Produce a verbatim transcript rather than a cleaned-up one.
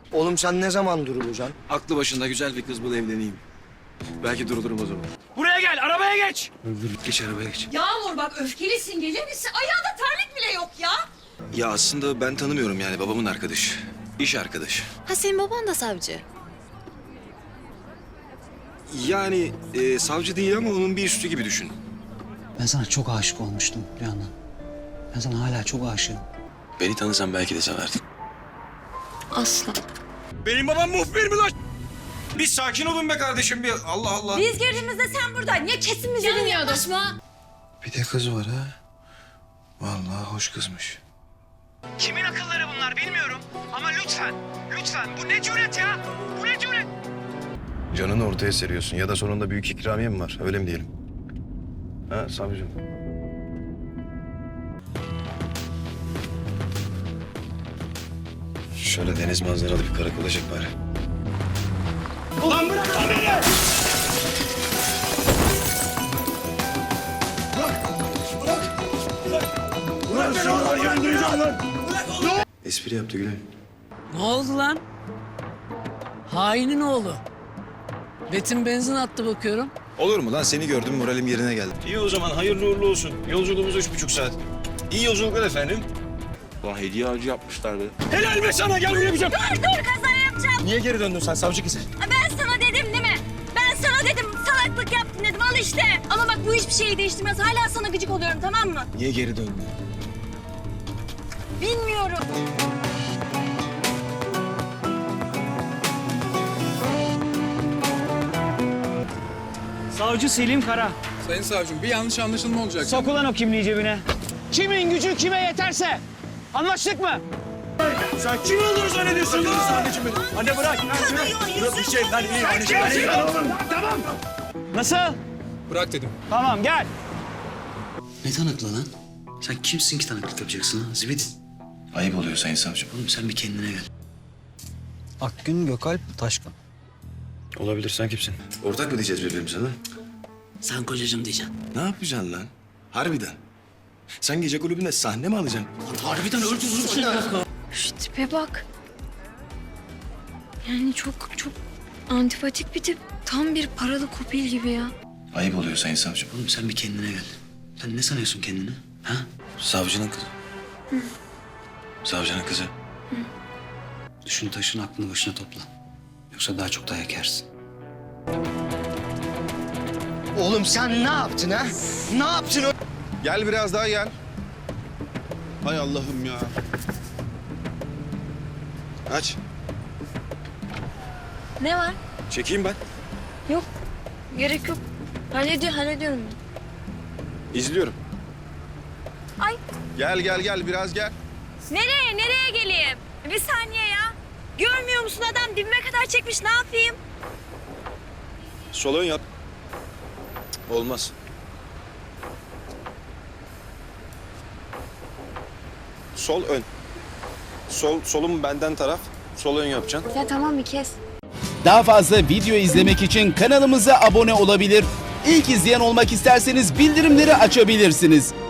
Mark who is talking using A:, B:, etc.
A: Oğlum sen ne zaman durulacaksın?
B: Aklı başında güzel bir kız bul evleneyim. Belki durdurum o zaman.
C: Buraya gel, arabaya geç.
B: Geç arabaya geç.
D: Yağmur bak öfkelisin, gelir misin? Ayağında terlik bile yok ya.
B: Ya aslında ben tanımıyorum yani babamın arkadaşı. İş arkadaşı.
E: Ha senin baban da savcı.
B: Yani e, savcı değil ama onun bir üstü gibi düşün.
F: Ben sana çok aşık olmuştum Rüyandan. Ben sana hala çok aşığım.
B: Beni tanısan belki de severdin.
E: Asla.
B: Benim babam muhbir mi lan? Bir sakin olun be kardeşim bir. Allah Allah.
D: Biz girdiğimizde sen buradaydın. Niye kesin bizi
E: Canım
D: dinliyordun?
E: yaklaşma.
B: Bir de kız var ha. Vallahi hoş kızmış.
C: Kimin akılları bunlar bilmiyorum. Ama lütfen, lütfen bu ne cüret ya? Bu ne cüret?
B: Canını ortaya seriyorsun ya da sonunda büyük ikramiye mi var? Öyle mi diyelim? Ha savcım? Şöyle deniz manzaralı bir karakola çek bari.
C: Ulan bırak lan beni! Bırak beni oradan yöndüreceğim lan!
B: Espri yaptı Gülay.
G: Ne oldu lan? Hainin oğlu. Betim benzin attı bakıyorum.
B: Olur mu lan? Seni gördüm moralim yerine geldi. İyi o zaman hayırlı uğurlu olsun. Yolculuğumuz üç buçuk saat. İyi yolculuklar efendim. Ulan hediye ağacı yapmışlar be.
C: Helal be sana, gel buraya bir şey.
D: Dur dur kaza yapacağım.
B: Niye geri döndün sen savcı kızı?
D: Ben sana dedim değil mi? Ben sana dedim salaklık yaptın dedim al işte. Ama bak bu hiçbir şeyi değiştirmez. Hala sana gıcık oluyorum tamam mı?
B: Niye geri döndün?
D: Bilmiyorum.
C: Savcı Selim Kara.
H: Sayın savcım bir yanlış anlaşılma olacak.
C: Sok ulan o kimliği cebine. Kimin gücü kime yeterse. Anlaştık mı? Sen kim olduğunu zannediyorsun lan? Anneciğim benim. Anne bırak. Bırak bir şey. Lan iyi. Anneciğim benim. Tamam. Nasıl?
H: Bırak dedim.
C: Tamam gel.
F: Ne tanıklı lan? Sen kimsin ki tanıklık yapacaksın ha? Zibit.
B: Ayıp oluyor sayın savcım.
F: Oğlum sen bir kendine gel.
A: Akgün Gökalp Taşkın.
B: Olabilir sen kimsin? Ortak mı diyeceğiz birbirimize lan?
F: Sen kocacığım diyeceksin.
B: Ne yapacaksın lan? Harbiden. Sen gece kulübünde sahne mi alacaksın?
F: Harbiden öldürürüm seni.
E: Şu tipe bak. Yani çok çok antipatik bir tip. Tam bir paralı kopil gibi ya.
B: Ayıp oluyor sayın savcım.
F: Oğlum sen bir kendine gel. Sen ne sanıyorsun kendini? Ha?
B: Savcının kızı. Savcının kızı.
F: Düşün taşın aklını başına topla. Yoksa daha çok dayak yersin.
A: Oğlum sen ne yaptın ha? Ne yaptın o?
H: Gel biraz daha gel. Hay Allah'ım ya.
B: Aç.
E: Ne var?
B: Çekeyim ben.
E: Yok. Gerek yok. Hallediyor, hallediyorum ben.
B: İzliyorum.
D: Ay
H: Gel gel gel biraz gel.
D: nereye nereye geleyim? Bir saniye ya. Görmüyor musun adam dibime kadar çekmiş ne yapayım?
B: Sol ön yap. Cık, olmaz. Sol ön. Sol solum benden taraf. Sol ön yapacaksın.
E: Ya tamam bir kes.
I: Daha fazla video izlemek için kanalımıza abone olabilir. İlk izleyen olmak isterseniz bildirimleri açabilirsiniz.